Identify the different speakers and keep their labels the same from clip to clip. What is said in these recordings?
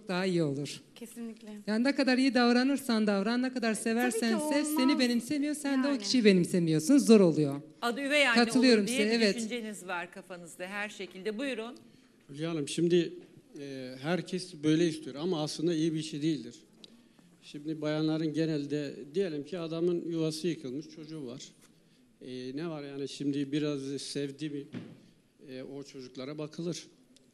Speaker 1: çok daha iyi olur.
Speaker 2: Kesinlikle.
Speaker 1: Yani ne kadar iyi davranırsan davran, ne kadar seversen sev, seni benimsemiyor, sen de o kişiyi benimsemiyorsun, zor oluyor.
Speaker 3: Adı üvey anne
Speaker 1: Katılıyorum
Speaker 3: olur diye
Speaker 1: size,
Speaker 3: bir
Speaker 1: evet.
Speaker 3: düşünceniz var kafanızda her şekilde. Buyurun.
Speaker 4: Hülya Hanım, şimdi herkes böyle istiyor ama aslında iyi bir şey değildir. Şimdi bayanların genelde, diyelim ki adamın yuvası yıkılmış, çocuğu var. Ne var yani, şimdi biraz sevdi mi o çocuklara bakılır.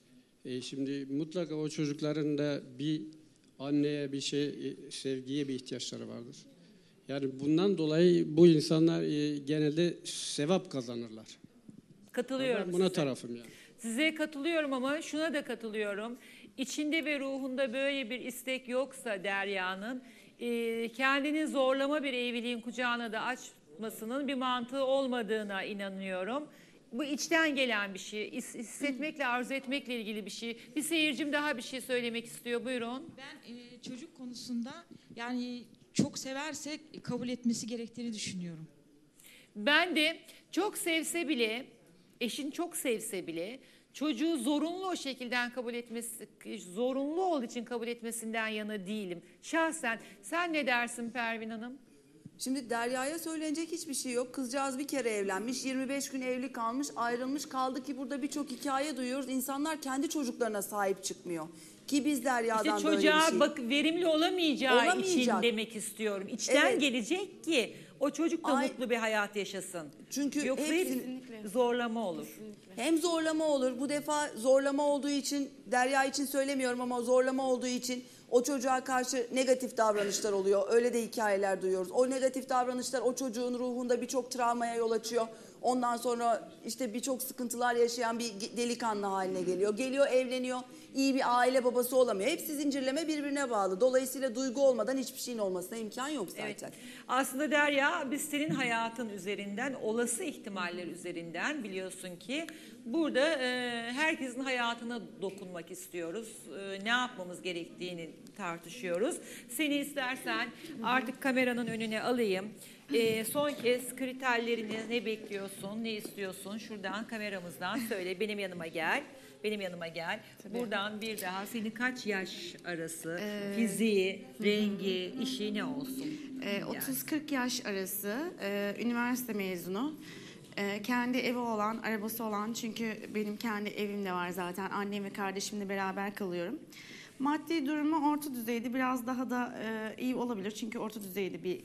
Speaker 4: Şimdi mutlaka o çocukların da bir anneye, bir sevgiye bir ihtiyaçları vardır. Yani bundan dolayı bu insanlar genelde sevap kazanırlar.
Speaker 3: Katılıyorum
Speaker 4: Ben buna
Speaker 3: size.
Speaker 4: tarafım yani.
Speaker 3: Size katılıyorum ama şuna da katılıyorum. İçinde ve ruhunda böyle bir istek yoksa Derya'nın kendini zorlama bir evliliğin kucağına da açmasının bir mantığı olmadığına inanıyorum. Bu içten gelen bir şey, hissetmekle, arzu etmekle ilgili bir şey. Bir seyircim daha bir şey söylemek istiyor. Buyurun.
Speaker 5: Ben çocuk konusunda yani çok severse kabul etmesi gerektiğini düşünüyorum.
Speaker 3: Ben de çok sevse bile, eşin çok sevse bile çocuğu zorunlu o şekilde kabul etmesi, zorunlu olduğu için kabul etmesinden yana değilim. Şahsen sen ne dersin Pervin Hanım?
Speaker 6: Şimdi Derya'ya söylenecek hiçbir şey yok. Kızcağız bir kere evlenmiş, 25 gün evli kalmış, ayrılmış. Kaldı ki burada birçok hikaye duyuyoruz. İnsanlar kendi çocuklarına sahip çıkmıyor. Ki biz Derya'dan
Speaker 3: İşte
Speaker 6: böyle bir şey.
Speaker 3: çocuğa verimli olamayacağı için demek istiyorum. İçten gelecek ki o çocuk da mutlu bir hayat yaşasın.
Speaker 6: Çünkü
Speaker 3: yoksa hep zorlama olur.
Speaker 6: Kesinlikle. Hem zorlama olur. Bu defa zorlama olduğu için, Derya için söylemiyorum ama zorlama olduğu için o çocuğa karşı negatif davranışlar oluyor. Öyle de hikayeler duyuyoruz. O negatif davranışlar o çocuğun ruhunda birçok travmaya yol açıyor. Ondan sonra işte birçok sıkıntılar yaşayan bir delikanlı haline geliyor. Geliyor, evleniyor, iyi bir aile babası olamıyor. Hepsi zincirleme birbirine bağlı. Dolayısıyla duygu olmadan hiçbir şeyin olmasına imkan yok zaten.
Speaker 3: Evet. Aslında Derya, biz senin hayatın üzerinden, olası ihtimaller üzerinden biliyorsun ki burada herkesin hayatına dokunmak istiyoruz. Ne yapmamız gerektiğini tartışıyoruz. Seni istersen artık kameranın önüne alayım. Son kez kriterlerini ne bekliyorsun, ne istiyorsun? Şuradan kameramızdan söyle. Benim yanıma gel. Benim yanıma gel. Tabii. Buradan bir daha senin kaç yaş arası, fiziği, rengi, işi ne olsun?
Speaker 2: 30-40 yaş arası, üniversite mezunu. Kendi evi olan, arabası olan, çünkü benim kendi evim de var zaten. Annem ve kardeşimle beraber kalıyorum. Maddi durumu orta düzeyde, biraz daha da iyi olabilir. Çünkü orta düzeyde bir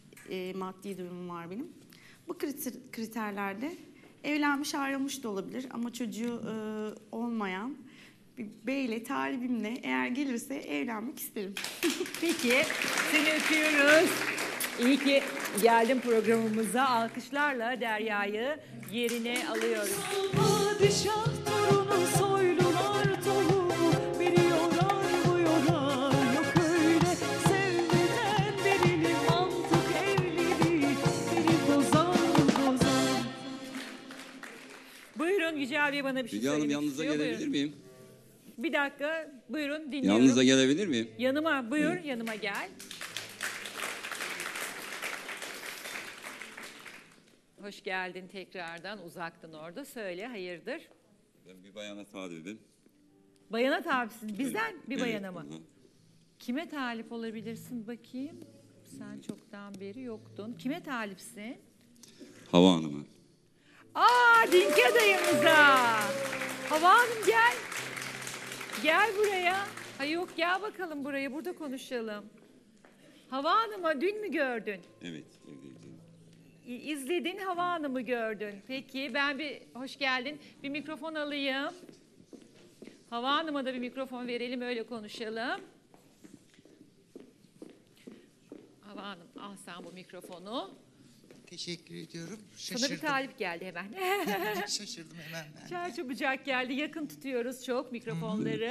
Speaker 2: maddi durumum var benim. Bu kriterlerde evlenmiş, ayrılmış da olabilir ama çocuğu olmayan bir beyle, talibimle eğer gelirse evlenmek isterim.
Speaker 3: Peki, seni öpüyoruz. İyi ki geldin programımıza. Alkışlarla Derya'yı yerine alıyoruz.
Speaker 7: Padişah torunu soylular tohumu, biri yorar bu yorar, yok öyle sevmeden birini, mantık evliliği beni bozar.
Speaker 3: Buyurun Yücel Bey, bana bir şey
Speaker 8: Hülya Hanım,
Speaker 3: söylemek
Speaker 8: yanınıza
Speaker 3: istiyor.
Speaker 8: gelebilir miyim?
Speaker 3: Bir dakika, buyurun dinliyorum.
Speaker 8: Yanınıza gelebilir miyim?
Speaker 3: Yanıma, buyur yanıma gel. Hoş geldin tekrardan, uzaktın orada. Söyle, hayırdır?
Speaker 8: Ben bir bayana talibim.
Speaker 3: Bayana talipsin. Bizden bir
Speaker 8: Evet,
Speaker 3: bayana mı?
Speaker 8: hı.
Speaker 3: Kime talip olabilirsin bakayım? Sen çoktan beri yoktun. Kime talipsin?
Speaker 8: Hava Hanım'a.
Speaker 3: Dinki adayımıza. Hava Hanım gel. Gel buraya. Ha yok, gel bakalım buraya, burada konuşalım. Hava Hanım'a dün mü gördün?
Speaker 8: Evet, evdeydim.
Speaker 3: İzledin, Hava Hanım'ı gördün. Peki ben hoş geldin. Bir mikrofon alayım. Hava Hanım'a da bir mikrofon verelim, öyle konuşalım. Hava Hanım, al sen bu mikrofonu.
Speaker 9: Teşekkür ediyorum.
Speaker 3: Sana bir talip geldi hemen.
Speaker 9: Şaşırdım hemen ben.
Speaker 3: Çarçabucak geldi. Yakın tutuyoruz çok mikrofonları.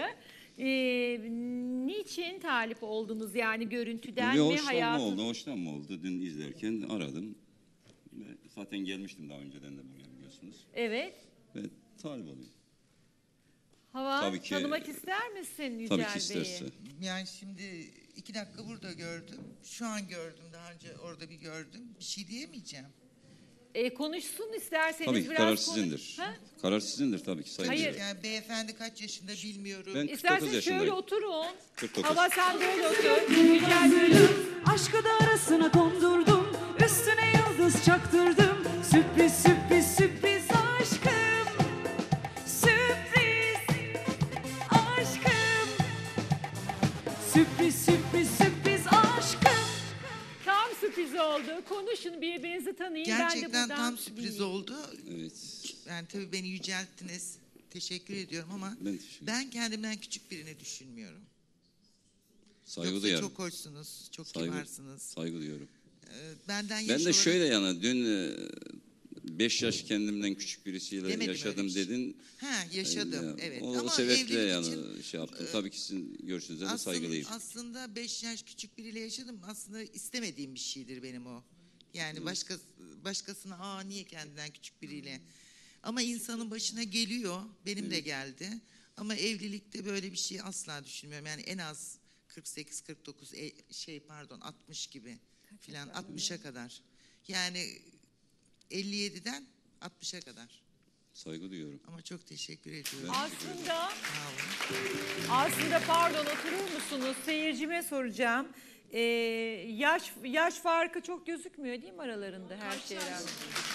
Speaker 3: Niçin talip oldunuz, yani görüntüden
Speaker 8: Bir
Speaker 3: mi,
Speaker 8: hoşlanma
Speaker 3: hayatın?
Speaker 8: oldu, hoşlanma oldu. Dün izlerken aradım. Zaten gelmiştim daha önceden de buraya, biliyorsunuz.
Speaker 3: Evet.
Speaker 8: Ve talip olayım.
Speaker 3: Hava,
Speaker 8: Tabii ki,
Speaker 3: tanımak ister misin Yücel
Speaker 8: tabii ki isterse.
Speaker 3: Bey'i?
Speaker 9: Yani şimdi 2 dakika burada gördüm. Şu an gördüm. Daha önce orada bir gördüm. Bir şey diyemeyeceğim.
Speaker 3: Konuşsun isterseniz
Speaker 8: Tabii ki
Speaker 3: biraz
Speaker 8: karar
Speaker 3: konuş-
Speaker 8: sizindir.
Speaker 3: Ha?
Speaker 8: Karar sizindir tabii ki Sayın
Speaker 3: Hayır.
Speaker 8: Bey.
Speaker 9: Yani beyefendi kaç yaşında bilmiyorum.
Speaker 8: Ben 49
Speaker 3: İsterseniz
Speaker 8: yaşındayım.
Speaker 3: şöyle oturun.
Speaker 8: 49.
Speaker 3: Hava sen böyle otur. Güzel böyle.
Speaker 7: Aşkı da arasına kondurdum, üstüne yıldız çaktırdım. Sürpriz sürpriz sürpriz aşkım, sürpriz aşkım, sürpriz sürpriz sürpriz aşkım.
Speaker 3: Tam sürpriz oldu. Konuşun, birbirinizi tanıyın. ben de
Speaker 9: Gerçekten
Speaker 3: buradan
Speaker 9: tam sürpriz
Speaker 3: dinleyeyim.
Speaker 9: oldu.
Speaker 8: Evet.
Speaker 9: Yani tabii beni yücelttiniz. Teşekkür ediyorum ama
Speaker 8: Ben teşekkür ederim.
Speaker 9: ben kendimden küçük birini düşünmüyorum.
Speaker 8: Saygı
Speaker 9: Yoksa
Speaker 8: duyarım.
Speaker 9: çok hoşsunuz, çok
Speaker 8: Saygı,
Speaker 9: kibarsınız.
Speaker 8: saygı duyuyorum.
Speaker 9: Benden yaş
Speaker 8: Ben de
Speaker 9: olarak
Speaker 8: şöyle yani dün 5 yaş kendimden küçük birisiyle
Speaker 9: Demedim
Speaker 8: yaşadım
Speaker 9: öyle bir şey.
Speaker 8: dedin.
Speaker 9: yaşadım
Speaker 8: Ya,
Speaker 9: evet.
Speaker 8: O
Speaker 9: Ama
Speaker 8: sebeple
Speaker 9: evlilik
Speaker 8: yani
Speaker 9: için
Speaker 8: şey yaptım. Tabii ki sizin görüşünüze de saygılıyım.
Speaker 9: aslında 5 yaş küçük biriyle yaşadım. Aslında istemediğim bir şeydir benim o. Yani başkasına niye kendinden küçük biriyle. Ama insanın başına geliyor. Benim de geldi. Ama evlilikte böyle bir şey asla düşünmüyorum. Yani en az 48 49 60 gibi filan 60'a kadar. Yani 57'den 60'a kadar.
Speaker 8: Saygı duyuyorum.
Speaker 9: Ama çok teşekkür ediyorum.
Speaker 3: Aslında
Speaker 9: Sağ olun.
Speaker 3: Aslında pardon oturur musunuz? Seyircime soracağım. Yaş farkı çok gözükmüyor değil mi aralarında her şeye rağmen?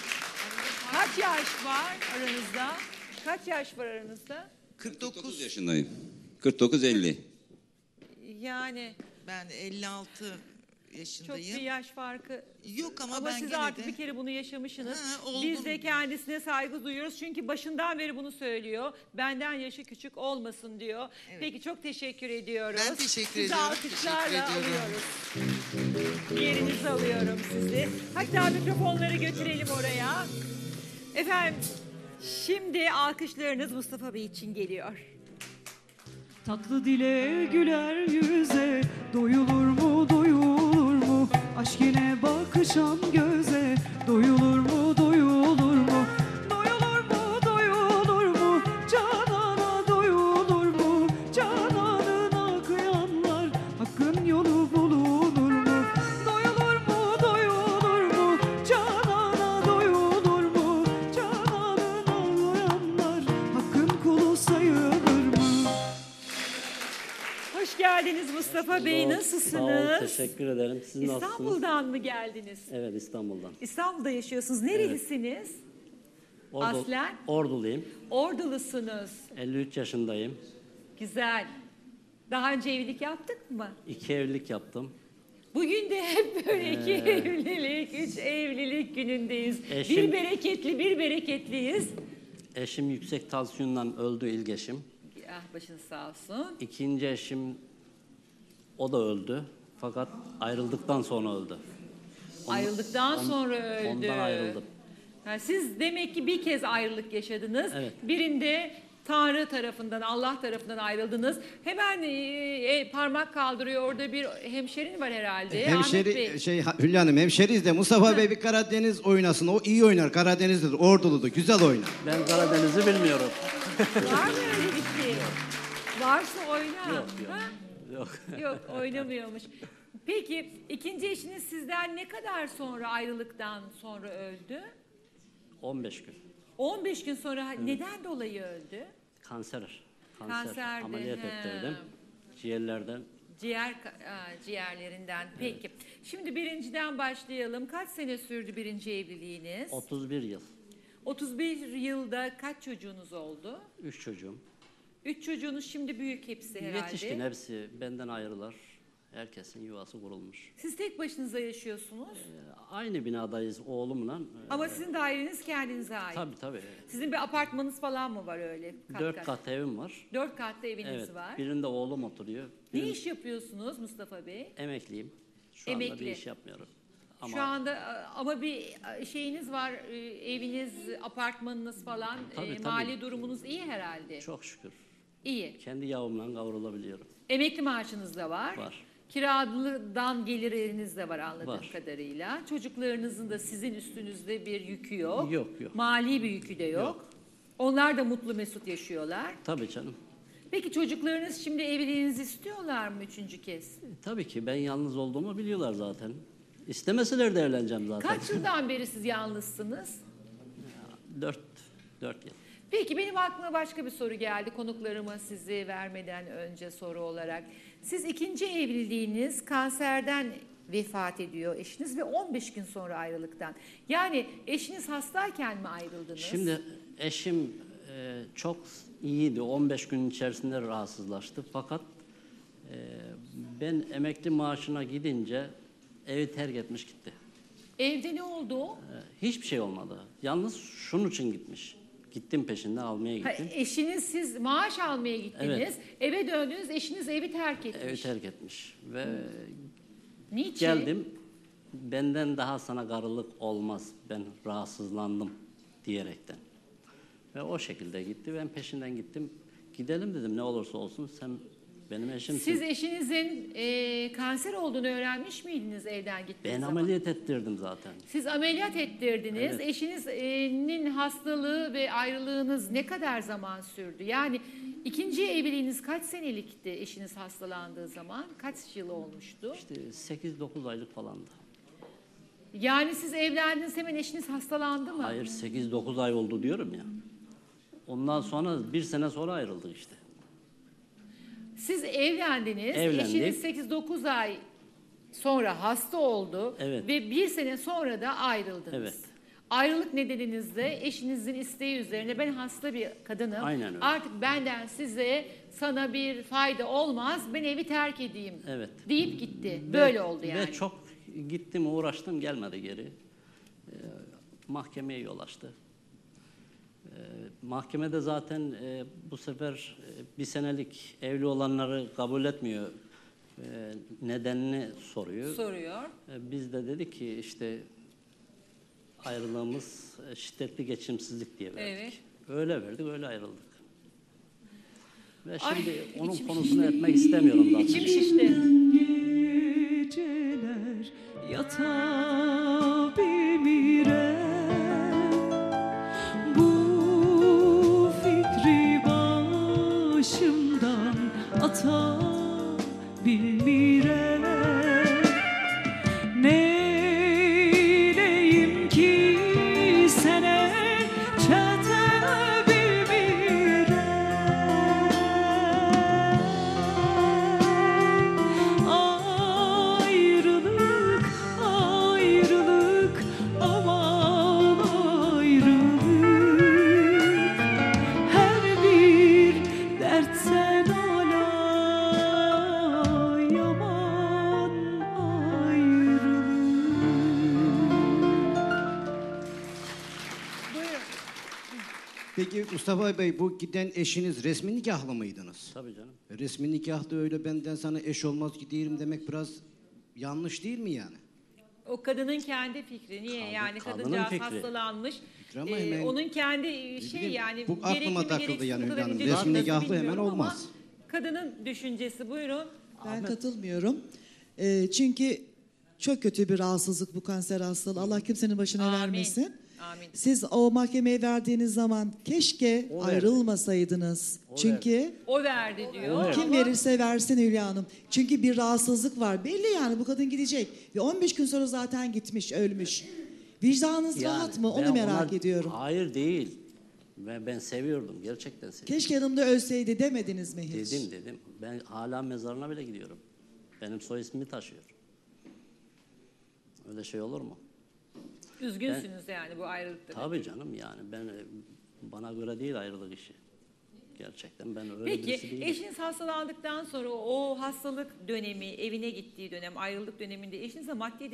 Speaker 3: Kaç yaş var aranızda? Kaç yaş var aranızda?
Speaker 9: 49
Speaker 8: yaşındayım. 49-50.
Speaker 3: Yani
Speaker 9: ben 56
Speaker 3: çok
Speaker 9: yaşındayım.
Speaker 3: bir yaş farkı.
Speaker 9: Yok ama ben
Speaker 3: siz
Speaker 9: gene
Speaker 3: artık
Speaker 9: de-
Speaker 3: bir kere bunu yaşamışsınız.
Speaker 9: olgun.
Speaker 3: Biz de kendisine saygı duyuyoruz. Çünkü başından beri bunu söylüyor. Benden yaşı küçük olmasın diyor. Peki çok teşekkür ediyoruz.
Speaker 9: Ben teşekkür
Speaker 3: Sizi
Speaker 9: ediyorum.
Speaker 3: alkışlarla
Speaker 9: Teşekkür ediyorum.
Speaker 3: alıyoruz. Yerinize alıyorum sizi. Hatta mikrofonları götürelim oraya. Efendim şimdi alkışlarınız Mustafa Bey için geliyor.
Speaker 7: Tatlı dile güler yüze, doyulur mu doyulur mu? Aşk ile bakışan göze, doyulur mu doyulur mu? Doyulur mu doyulur mu? Canana doyulur mu? Cananına kıyanlar, hakkın yolu bulunur mu? Doyulur mu doyulur mu? Canana doyulur mu? Cananına kıyanlar, hakkın kulu sayılır mı?
Speaker 3: Hoş geldiniz Mustafa Bey. Nasılsınız?
Speaker 10: Sağ olun, teşekkür ederim. Siz nasılsınız?
Speaker 3: İstanbul'dan mı geldiniz?
Speaker 10: Evet, İstanbul'dan.
Speaker 3: İstanbul'da yaşıyorsunuz. Nerelisiniz? Aslen?
Speaker 10: Orduluyum.
Speaker 3: Ordulusunuz.
Speaker 10: 53 yaşındayım.
Speaker 3: Güzel. Daha önce evlilik yaptık mı?
Speaker 10: 2 evlilik yaptım.
Speaker 3: Bugün de hep böyle 2 evlilik, 3 evlilik günündeyiz.
Speaker 10: Eşim-
Speaker 3: Bir bereketli, bir bereketliyiz.
Speaker 10: Eşim yüksek tansiyondan öldü, ilk eşim.
Speaker 3: Ah başınız sağ olsun.
Speaker 10: İkinci eşim, o da öldü. Fakat ayrıldıktan sonra öldü.
Speaker 3: Ayrıldıktan sonra öldü.
Speaker 10: Ondan ayrıldım.
Speaker 3: Ha, siz demek ki bir kez ayrılık yaşadınız.
Speaker 10: Evet.
Speaker 3: Birinde Tanrı tarafından, Allah tarafından ayrıldınız. Hemen parmak kaldırıyor. Orada bir hemşerin var herhalde. Ahmet Bey.
Speaker 11: Hülya Hanım hemşeriyiz de Mustafa Bey bir Karadeniz oynasın. O iyi oynar. Karadeniz'de Ordulu'da güzel oynar.
Speaker 10: Ben Karadeniz'i bilmiyorum.
Speaker 3: Var mı öyle bir şey? Varsa oyna.
Speaker 10: Yok, yok.
Speaker 3: Ha?
Speaker 10: Yok.
Speaker 3: Yok oynamıyormuş. Peki ikinci eşiniz sizden ne kadar sonra ayrılıktan sonra öldü?
Speaker 10: 15 gün.
Speaker 3: 15 gün sonra neden dolayı öldü?
Speaker 10: Kanser.
Speaker 3: Kanserdi,
Speaker 10: Ameliyat
Speaker 3: he.
Speaker 10: ettirdim. Ciğerlerden.
Speaker 3: Ciğerlerinden. Peki. Şimdi birinciden başlayalım. Kaç sene sürdü birinci evliliğiniz?
Speaker 10: 31 yıl.
Speaker 3: 31 yılda kaç çocuğunuz oldu?
Speaker 10: 3 çocuğum.
Speaker 3: 3 çocuğunuz şimdi büyük hepsi herhalde.
Speaker 10: Yetişkin hepsi benden ayrılar. Herkesin yuvası kurulmuş.
Speaker 3: Siz tek başınıza yaşıyorsunuz.
Speaker 10: Aynı binadayız oğlumla.
Speaker 3: Ama sizin daireniz kendinize ait.
Speaker 10: Tabii.
Speaker 3: Sizin bir apartmanınız falan mı var öyle?
Speaker 10: 4 kat evim var.
Speaker 3: 4 katlı eviniz
Speaker 10: Evet.
Speaker 3: var.
Speaker 10: Birinde oğlum oturuyor.
Speaker 3: Ne iş yapıyorsunuz Mustafa Bey?
Speaker 10: Emekliyim. Şu anda
Speaker 3: Emekli.
Speaker 10: bir iş yapmıyorum. Ama
Speaker 3: Şu anda ama bir şeyiniz var, eviniz, apartmanınız falan,
Speaker 10: Tabii.
Speaker 3: mali durumunuz iyi herhalde.
Speaker 10: Çok şükür.
Speaker 3: İyi.
Speaker 10: Kendi yağımla kavrulabiliyorum.
Speaker 3: Emekli maaşınız da var.
Speaker 10: Var.
Speaker 3: Kiradan geliriniz de var anladığım
Speaker 10: Var.
Speaker 3: kadarıyla. Çocuklarınızın da sizin üstünüzde bir yükü yok.
Speaker 10: Yok.
Speaker 3: Mali bir yükü de yok.
Speaker 10: Yok.
Speaker 3: Onlar da mutlu mesut yaşıyorlar.
Speaker 10: Tabii canım.
Speaker 3: Peki çocuklarınız şimdi evliliğinizi istiyorlar mı üçüncü kez?
Speaker 10: Tabii ki ben yalnız olduğumu biliyorlar zaten. İstemeseler de evleneceğim zaten.
Speaker 3: Kaç yıldan beri siz yalnızsınız?
Speaker 10: 4 yıl.
Speaker 3: Peki benim aklıma başka bir soru geldi konuklarıma sizi vermeden önce soru olarak. Siz ikinci evliliğiniz kanserden vefat ediyor eşiniz ve 15 gün sonra ayrılıktan. Yani eşiniz hastayken mi ayrıldınız?
Speaker 10: Şimdi eşim çok iyiydi. 15 gün içerisinde rahatsızlaştı. Fakat ben emekli maaşına gidince evi terk etmiş gitti.
Speaker 3: Evde ne oldu?
Speaker 10: Hiçbir şey olmadı. Yalnız şunun için gitmiş. Gittim peşinden almaya gittim.
Speaker 3: Eşiniz siz maaş almaya gittiniz.
Speaker 10: Evet.
Speaker 3: Eve döndünüz eşiniz evi terk etmiş.
Speaker 10: Evi terk etmiş. Ve
Speaker 3: Niçin?
Speaker 10: geldim. Benden daha sana karılık olmaz. Ben rahatsızlandım diyerekten. Ve o şekilde gitti. Ben peşinden gittim. Gidelim dedim ne olursa olsun sen benim eşimsin.
Speaker 3: Siz eşinizin kanser olduğunu öğrenmiş miydiniz evden gittiğiniz
Speaker 10: Ben
Speaker 3: zaman?
Speaker 10: ameliyat ettirdim zaten.
Speaker 3: Siz ameliyat ettirdiniz.
Speaker 10: Evet.
Speaker 3: Eşinizin hastalığı ve ayrılığınız ne kadar zaman sürdü? Yani ikinci evliliğiniz kaç senelikti eşiniz hastalandığı zaman? Kaç yıl olmuştu?
Speaker 10: İşte 8-9 aylık falandı.
Speaker 3: Yani siz evlendiniz hemen eşiniz hastalandı mı?
Speaker 10: Hayır 8-9 ay oldu diyorum ya. Ondan sonra 1 sene sonra ayrıldık işte.
Speaker 3: Siz evlendiniz.
Speaker 10: Evlendik.
Speaker 3: Eşiniz 8-9 ay sonra hasta oldu.
Speaker 10: Evet.
Speaker 3: Ve 1 sene sonra da ayrıldınız.
Speaker 10: Evet.
Speaker 3: Ayrılık nedeninizde eşinizin isteği üzerine ben hasta bir kadınım.
Speaker 10: Aynen öyle.
Speaker 3: Artık benden sana bir fayda olmaz. Ben evi terk edeyim.
Speaker 10: Evet.
Speaker 3: Deyip gitti. Böyle oldu yani.
Speaker 10: Ve çok gittim uğraştım gelmedi geri. Mahkemeye yol açtı. Mahkemede zaten bu sefer 1 senelik evli olanları kabul etmiyor. Nedenini soruyor. Biz de dedik ki işte ayrılığımız şiddetli geçimsizlik diye verdik.
Speaker 3: Evet.
Speaker 10: Öyle verdik, öyle ayrıldık. Ve
Speaker 3: Ay,
Speaker 10: şimdi onun
Speaker 3: içim
Speaker 10: konusunu etmek istemiyorum zaten.
Speaker 3: İçim şişti.
Speaker 7: Geceler yatabilmirem. Bu fikri başımdan atabilmirem. Neyleyim ki sene çetebilmirem. Ayrılık, ayrılık, aman ayrılık. Her bir dert sen ala, yaman ayrılık.
Speaker 11: Peki Mustafa Bey bu giden eşiniz resmi nikahlı mıydınız?
Speaker 10: Tabii canım.
Speaker 11: Resmi nikahta öyle benden sana eş olmaz giderim demek biraz yanlış değil mi yani?
Speaker 3: O kadının kendi fikri. Niye? Yani
Speaker 10: kadının
Speaker 3: kadıncağız
Speaker 10: fikri.
Speaker 3: hastalanmış.
Speaker 11: Ama hemen-
Speaker 3: Onun kendi
Speaker 11: bileyim,
Speaker 3: yani
Speaker 11: bu aklıma
Speaker 3: gerekli mi,
Speaker 11: takıldı
Speaker 3: gereksiz
Speaker 11: yani
Speaker 3: mi, bu kadar
Speaker 11: Hülya Hanım.
Speaker 3: ince
Speaker 11: Resmi
Speaker 3: düşüncesi
Speaker 11: nikahlı hemen
Speaker 3: bilmiyorum ama
Speaker 11: olmaz.
Speaker 3: Kadının düşüncesi buyurun.
Speaker 12: Ben katılmıyorum. Çünkü çok kötü bir rahatsızlık bu kanser hastalığı. Allah kimsenin başına
Speaker 3: Amin.
Speaker 12: vermesin.
Speaker 3: Amin.
Speaker 12: Siz o mahkemeye verdiğiniz zaman keşke
Speaker 10: O verdi.
Speaker 12: ayrılmasaydınız.
Speaker 10: O
Speaker 12: Çünkü
Speaker 3: O verdi diyor.
Speaker 12: kim
Speaker 3: ama
Speaker 12: verirse versin Hülya Hanım. Çünkü bir rahatsızlık var. Belli yani bu kadın gidecek. Ve 15 gün sonra zaten gitmiş, ölmüş. Vicdanınız
Speaker 10: Yani
Speaker 12: rahat mı?
Speaker 10: ben
Speaker 12: Onu merak
Speaker 10: ona-
Speaker 12: ediyorum.
Speaker 10: Hayır değil. Ben seviyordum. Gerçekten seviyordum.
Speaker 12: Keşke yanımda ölseydi demediniz mi hiç?
Speaker 10: Dedim. Ben hala mezarına bile gidiyorum. Benim soy ismimi taşıyor. Öyle şey olur mu?
Speaker 3: üzgünsünüz yani bu ayrılıkta.
Speaker 10: Tabii canım yani bana göre değil ayrılık işi. Gerçekten ben öyle
Speaker 3: Peki
Speaker 10: birisi değilim.
Speaker 3: eşiniz hastalandıktan sonra o hastalık dönemi, evine gittiği dönem, ayrılık döneminde eşinize maddi